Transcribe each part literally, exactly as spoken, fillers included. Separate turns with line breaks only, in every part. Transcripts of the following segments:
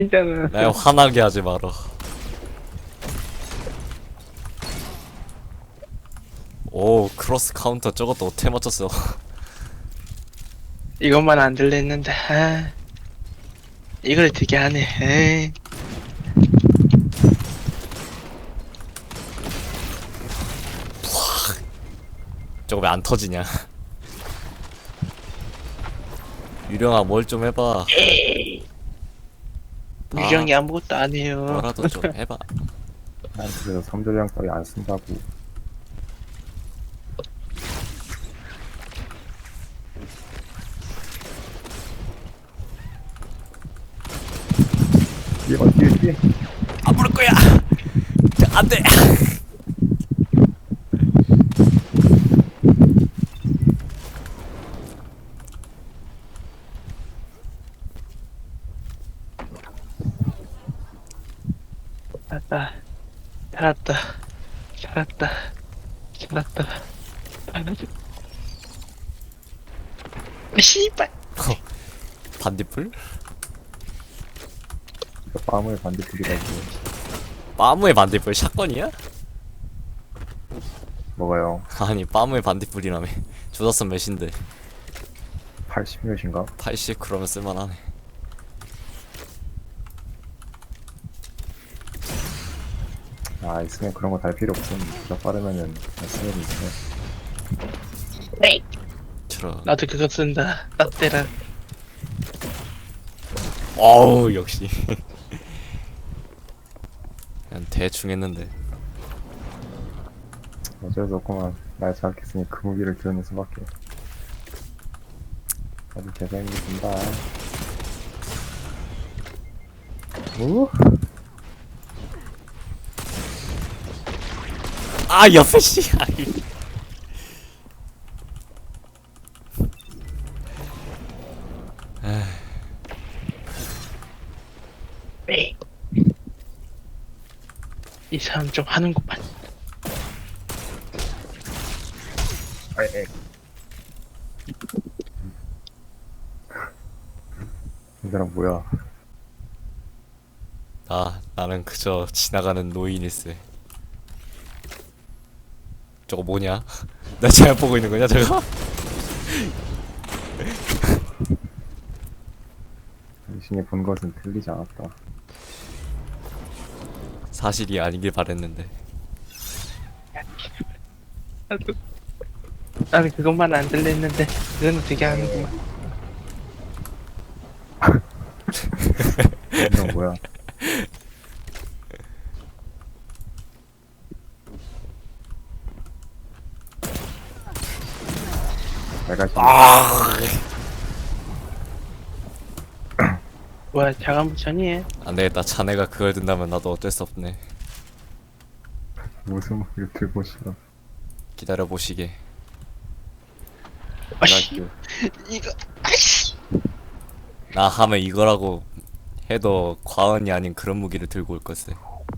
진짜는.
날 화나게 하지 마라. 오, 크로스 카운터 저것도 어떻게 맞췄어?
이것만 안 들렸는데, 아, 이걸 어떻게 하네, 에이.
저거 왜 안 터지냐? 유령아, 뭘 좀 해봐. 아,
유령이 아무것도 안 해요.
뭐라도 좀 해봐.
난 그래서 삼조장 따위 안 쓴다고. 뛰어 뛰어 뛰어.
안 부를 거야. 안 돼.
살았다, 살았다, 살았다, 살았다, 살았다. 씨발.
반딧불?
이거 빠물 반딧불이라고.
빠무의 반딧불 샷건이야?
먹어요.
아니, 빠무의 반딧불이라며. 조다선 몇인데?
팔십 몇인가?
팔십 그러면 쓸만하네.
아 있으면 그런 거 달 필요 없음. 진짜 빠르면은 쓰면 있어.
저런.
나도 그거 쓴다. 나 때라.
어우, 역시. 그냥 대충 했는데.
어쩔 수 없구만. 날 자극했으니 그 무기를 드러낼 수밖에. 아주 개성이 든다. 오?
아, 옆에 씨. 아이.
이 사람 좀 하는구만.
아이, 이 사람 뭐야?
나, 나는 그저 지나가는 노인일세. 저거 뭐냐? 나 잘못 보고 있는 거냐, 저거?
당신이 본 것은 틀리지 않았다.
사실이 아니길 바랬는데.
나도, 나는 그것만 안 들렸는데, 그건 어떻게 하는구만.
이건 뭐야? 내가 지금
아,
뭐야, 자간부천이에?
안 되겠다. 자네가 그걸 든다면 나도 어쩔 수 없네.
무슨 무기를 들고 싶어?
기다려 보시게.
아씨,
나이스.
이거, 아씨.
나 하면 이거라고 해도 과언이 아닌 그런 무기를 들고 올 것을.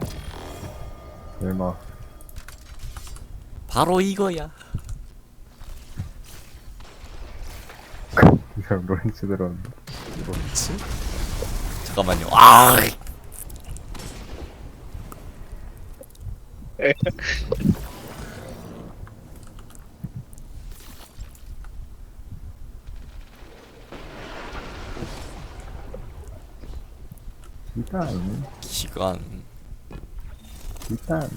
설마
바로 이거야.
이 사람 로렌츠 들었는데.
뭐지? 잠깐만요. 아,
일단
기관.
일단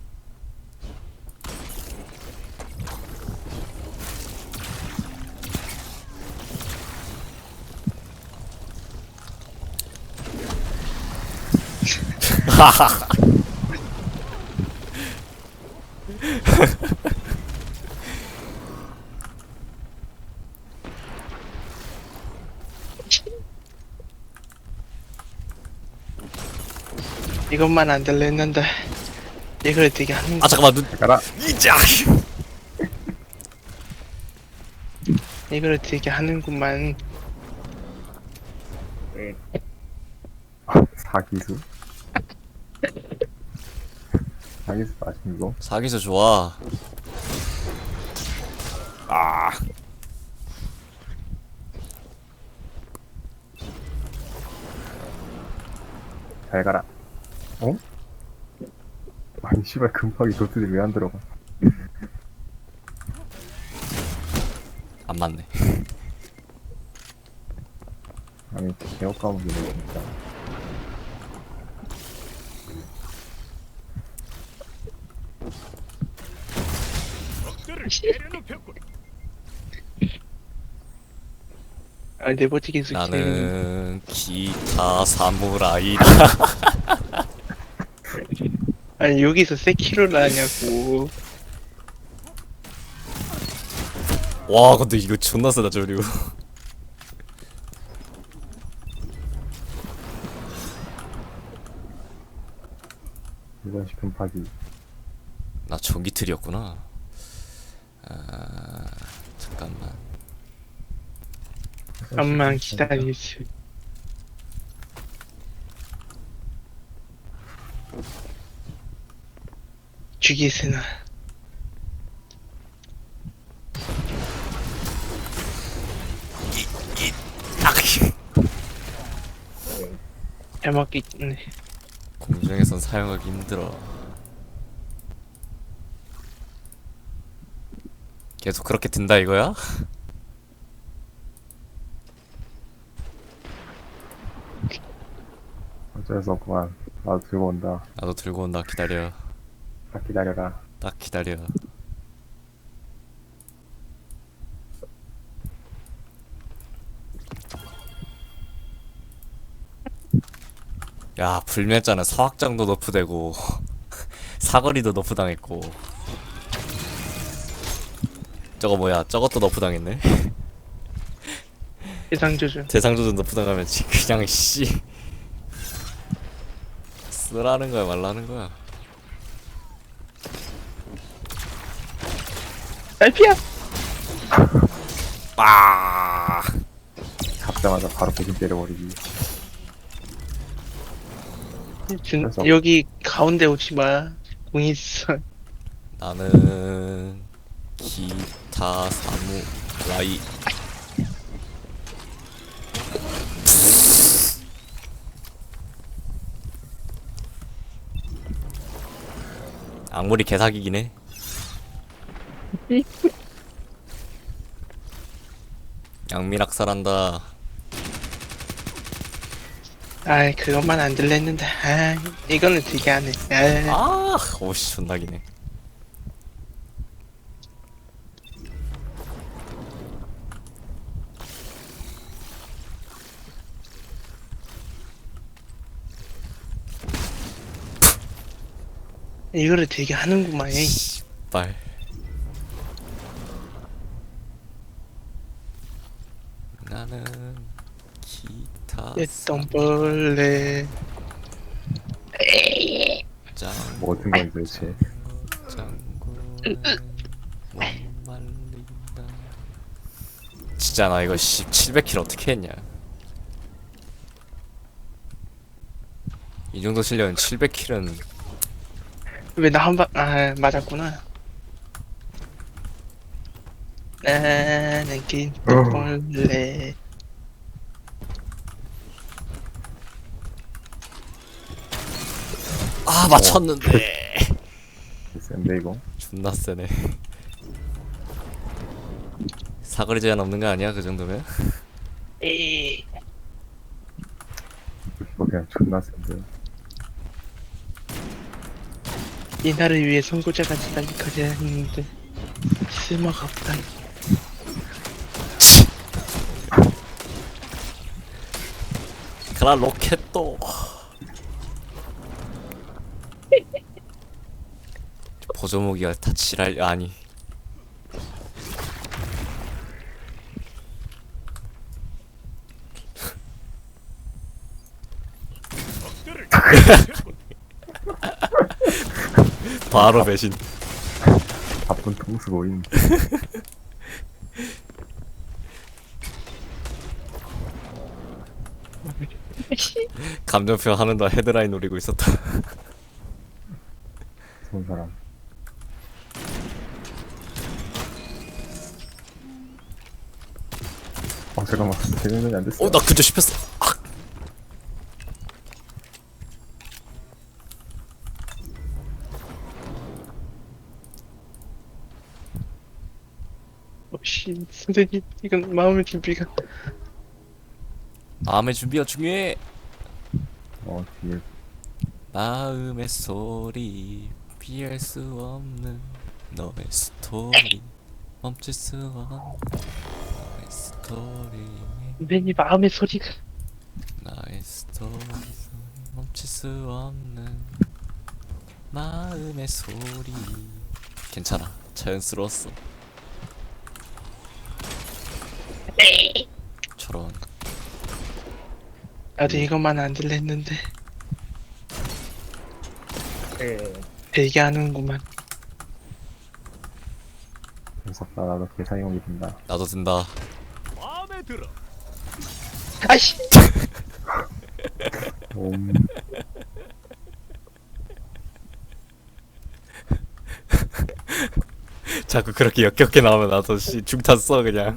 이것만 안 들렸는데, 이걸 어떻게 하는
아, 잠깐만. 눈.
가라.
이자.
이걸 어떻게 하는구만.
사기수? 사기수 아심 이거?
사기서 좋아. 아.
잘 가라. 어? 아니 씨발 금박이 도트들이 왜 안 들어가?
안 맞네.
아니 개업 까먹이네 진짜.
아, 네버티기 스킬.
나는 기타 사무라이다.
아니, 여기서 세키로를 하냐고.
와 근데 이거 존나 세다 저류.
이번식 금박이.
나 전기 틀이었구나. 아 잠깐만.
잠만 기다리세요. 죽이세나.
딱.
잘 먹겠네.
공중에선 사용하기 힘들어. 계속 그렇게 든다 이거야?
어쩔 수 없구만. 나도 들고 온다.
나도 들고 온다. 기다려.
딱 기다려라.
딱 기다려. 야 불멸자는 서학장도 너프되고 사거리도 너프당했고 저거 뭐야 저것도 너프당했네.
해상조준.
대상조준 너프당하면 지- 그냥 씨 쓰라는 거야 말라는 거야.
딸피야!
아
잡자마자 바로 배신 때려버리기.
준,
그래서-
여기 가운데 오지 마. 공 있어.
나는 기타 사무라이. 악물이 개사기긴 해. 양미락살한다.
아이, 그것만 안 들렸는데. 아, 이거는 되게 하네. 아,
아 오씨 존나기네.
이거를 되게 하는구만. 에이.
빨. 나는 기타
했던 벌레.
짱
뭐 같은 건 도대체.
짱구는 못 말린다. 진짜 나 이거 씨 칠백 킬 어떻게 했냐. 이 정도 실력은 칠백 킬은
왜 나 한 방, 아, 맞았구나. 나는 긴또 벌레.
아 맞췄는데.
센데 이거.
존나 세네. 사거리 제한 없는 거 아니야 그 정도면?
에이.
이거 그냥 존나 센데.
이 나를 위해 선고자가 지달리까지 했는데 쓸모가 없다니.
그라 로켓도 보조무기가 다 지랄 아니. 바로 배신.
바쁜 통수 모임.
감정표 하는 동안 헤드라인 노리고 있었다.
좋은 사람. 아 잠깐만. 대면전이 안 됐어.
어 나 그저 씹혔어. 아.
씨, 선생님, 이건 마음의 준비가.
마음의 준비가 중요해.
어 뒤에
마음의 소리 피할 수 없는 너의 스토리 멈출 수 없는 너의 스토리
선생님, 마음의 소리가.
나의 스토리 멈출 수 없는 마음의 소리. 괜찮아, 자연스러웠어. 저런.
나도 이것만 안 들렸는데. 되게 하는구만.
무섭다. 나도 개사용이 된다.
나도 든다.
마음에 들어.
아이씨!
옴.
자꾸 그렇게 역겹게 나오면 나도 씨 중탄 써 그냥.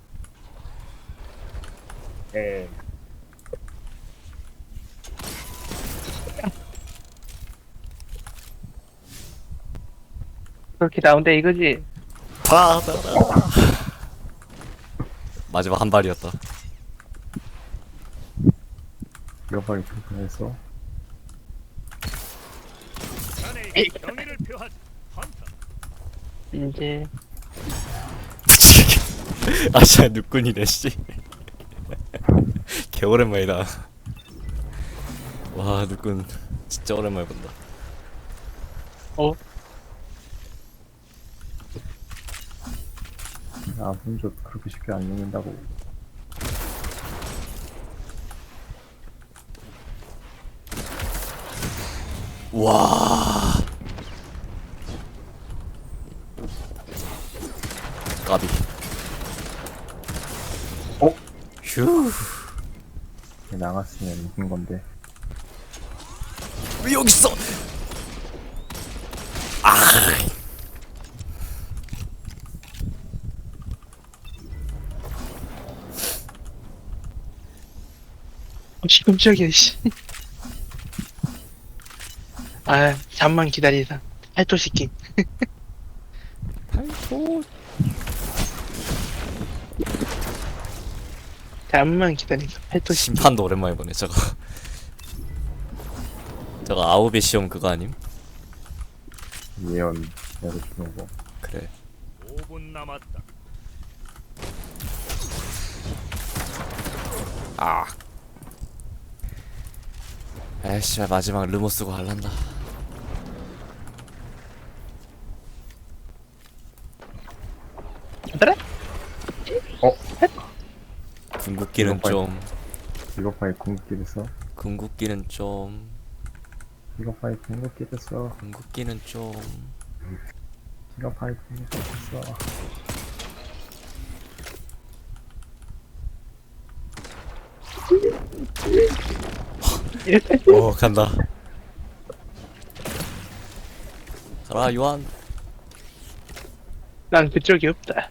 그렇게 나온다 이거지?
받아라. 마지막 한 발이었다.
이거 빨리 불편했어.
자네에게 경의를 표하지. 헌터.
이제
아 진짜 누꾼이네 씨. 개 오랜만이다. 와 누꾼 진짜 오랜만에 본다.
어?
아 분조 그렇게 쉽게 안 죽는다고.
와. 까비.
어?
휴.
나갔으면 이긴 건데.
왜 여기 있어? 아.
깜짝이야, 씨. 아, 잠만 기다리다. 팔도 시킴.
팔도.
잠만 기다리다. 팔도 시킴.
심판도 오랜만에 보네 저거. 저거 아우베 시험 그거 아님?
예언 내가 주는 거.
그래.
오 분 남았다.
아. 에이씨 마지막 르모 쓰고 할란다.
그래?
궁극기는
이거
좀
이거 파이 궁극기를 써.
궁극기는 좀
이거 파이 궁극기를 써.
궁극기는 좀
이거 파이 궁극기를 써.
오 간다. 가라 요한.
난 그쪽이 없다.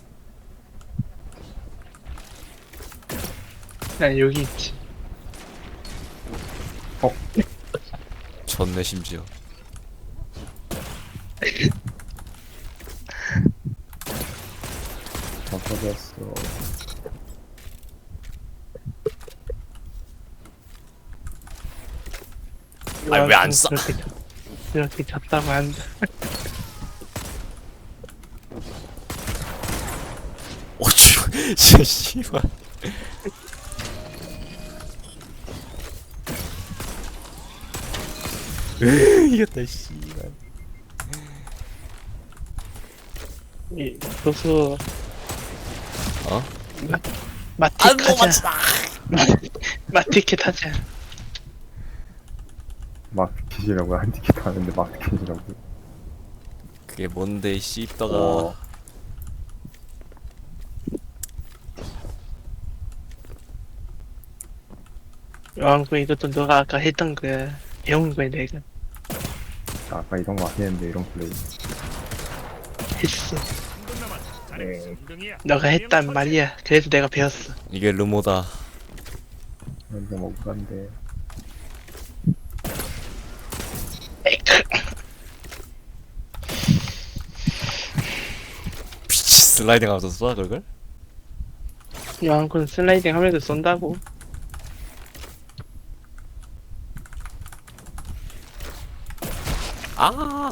난 여기 있지.
졌네 심지어.
다 터졌어.
아니, 왜안 써?
그렇게, 졌- 그렇게 졌다고 한다.
오쭈 진짜 씨발. 으 이겼다 씨발.
이, 도수,
어?
마, 마틱 하자. 마티켓 하자.
마켓이라고 한티켓 하는데 마켓이라고.
그게 뭔데 이 씹다가.
어.
왕구 이것도 너가 아까 했던 거야. 배운 거야, 내가.
아까 이런 거 하겠는데 이런 플레이.
했어.
삼 분 남았다. 자네 삼 등이야.
너가 했단 말이야. 그래서 내가 배웠어.
이게 르모다.
근데 뭐 그런데
미치스 슬라이딩 하면서 쏴 그걸?
요한군 슬라이딩 하면서 쏜다고.
아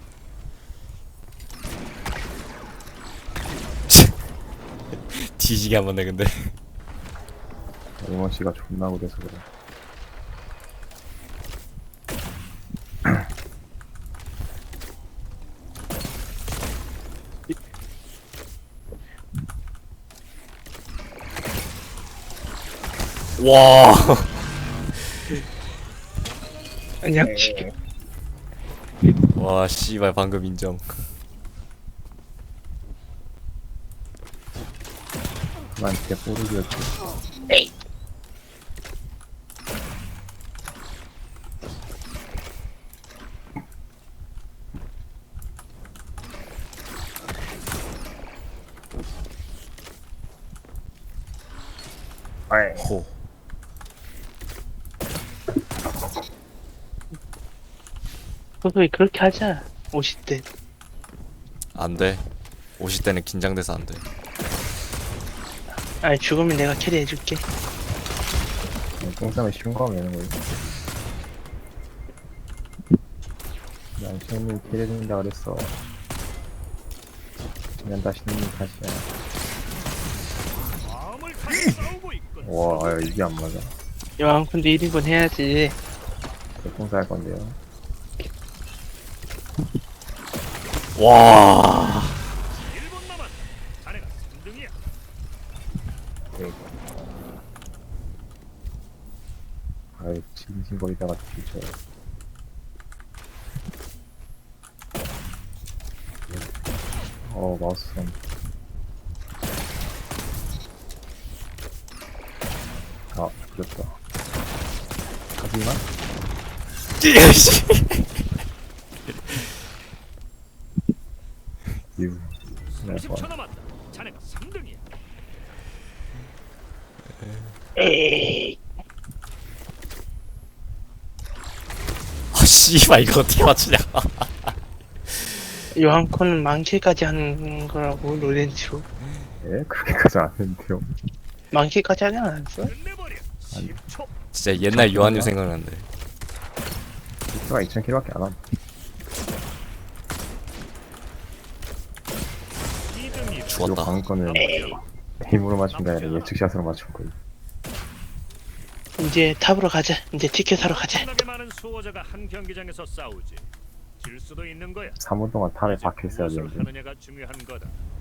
뒤지게 한번 내 근데
이먼 씨가 존나 그래서 그래.
와
그냥
와 씨발 방금 인정.
그만 진짜 뽀르기였지. 아이.
호
소소히 그렇게 하자. 오십 대.
안돼. 오십 대는 긴장돼서 안돼.
아니 죽으면 내가 캐리해줄게.
똥 싸면 쉬운 거 하면 되는 거지. 난 시험이 기대된다 그랬어. 그냥 다시는 다시야.
마음을 가지고 싸우고 있군.
와, 아, 이게 안 맞아.
요한군도 일 인분 해야지.
똥 쌀 건데요.
와
일 분 남았다. 자네가 삼 등이야.
아이, 징징거리다가 뒤져. 어, 마우스 손. 아, 그렸다. 하지만, 이후.
삼십 초 남았다. 자네가 삼 등이야.
에이.
아 씨발 이거 어떻게 맞추냐.
요한군은 망치까지 하는 거라고 로렌츠.
예? 그렇게까지 안 했는데요.
망치까지 하지 않았어?
끝내버려. 십 초.
진짜 옛날 요한님 생각난대.
히트가 이천 킬로밖에 안 함.
이 등이
이거
죽었다.
방금 거는 힘으로 맞춘 게 아니라 예측샷으로 맞춘 거예요.
이제 탑으로 가자. 이제 티켓 사러 가자.
엄청나게 많은 수호자가 한 경기장에서 싸우지. 질 수도 있는 거야.
삼 분 동안 탑에
이제
박혀 있어야
무엇을
되는데.
하느냐가 중요한 거다.